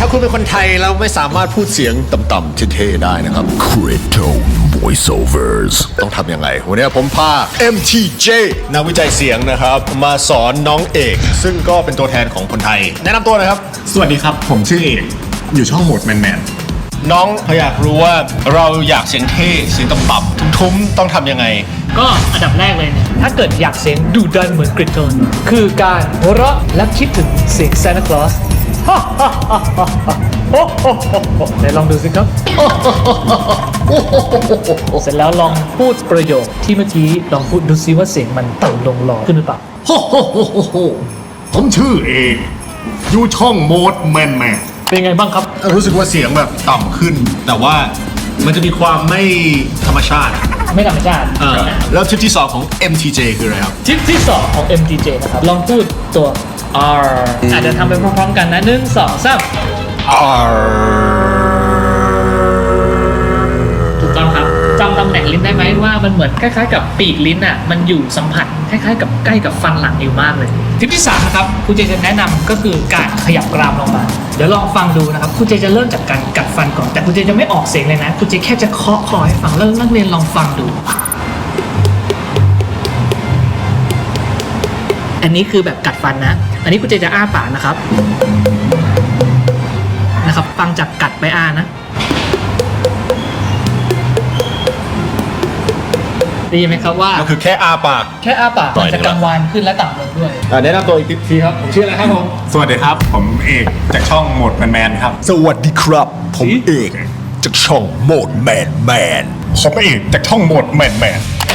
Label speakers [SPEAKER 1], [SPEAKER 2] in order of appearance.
[SPEAKER 1] าคุณเป็นคนไทยแล้วไม่สามารถพูดเสียงต่ำๆเท่ๆได้นะครับ Crypto Voiceovers ต้องทำยังไงวันนี้ผมพา MTJ นักวิจัยเสียงนะครับมาสอนน้องเอกซึ่งก็เป็นตัวแทนของคนไทยแนะนำตัวหนะครับ
[SPEAKER 2] สวัสดีครับผมชื่อเอกอยู่ช่องโหมดแมน
[SPEAKER 1] น้องเขาอยากรู้ว่าเราอยากเสียงเท่เสียงต่ำๆทุ้มๆต้องทำยังไง
[SPEAKER 3] ก็อันดับแรกเลยเนี่ยถ้าเกิดอยากเสียงดุดันเหมือนกริดโทนคือการหัวเราะและคิดถึงเสียงซานตาคลอสไหนลองดูสิครับ เสร็จแล้วลองพูดประโยคที่เมื่อกี้ลองพูดดูซิว่าเสียงมันต่ำลงหล่อขึ้นหรือเปล่า
[SPEAKER 2] ๆโฮผมชื่อเอกอยู่ช่องโหมดแมน
[SPEAKER 3] เป็นไงบ้างครับ
[SPEAKER 1] รู้สึกว่าเสียงแบบต่ำขึ้น แต่ว่ามันจะมีความไม่ธรรมชาติ
[SPEAKER 3] ไม่ธรรมชาติ
[SPEAKER 1] แล้วทิปที่ 2 ของ MTJ คืออะไรครับ
[SPEAKER 3] ทิปที่ 2 ของ MTJ นะครับ ลองพูดตัว R อาจจะทำไปพร้อมๆกันนะ1 2 3 ถูกต้องครับจำตำแหน่งลิ้นได้ไหมว่ามันเหมือนคล้ายๆกับปีกลิ้นอ่ะมันอยู่สัมผัสคล้ายๆกับใกล้กับฟันหลังอยู่มากเลยทิปที่3นะครับครูเจจะแนะนำก็คือการขยับกรามลงมาเดี๋ยวลองฟังดูนะครับครูเจจะเริ่มจากการกัดฟันก่อนแต่ครูเจจะไม่ออกเสียงเลยนะครูเจแค่จะเคาะคอให้ฟังแล้วนักเรียนลองฟังดูอันนี้คือแบบกัดฟันนะอันนี้ครูเจจะอ้าปากนะครับฟังจากกัดไปอ้านะได้ยินไหมครับว่า
[SPEAKER 1] ก็คือแค่อาปาก
[SPEAKER 3] แค่อ้าปากมันจะกังวานขึ้นและต่ำลงด้วย
[SPEAKER 1] แนะนำตัวอีกทีครับ ผมชื่ออะไรครับผม
[SPEAKER 2] สวัสดีครับผมเอกจากช่องโหมดแมนครับ
[SPEAKER 1] สวัสดีครับ ผมเอกจากช่องโหมดแมน
[SPEAKER 2] ผมเอกจากช่องโหมดแมน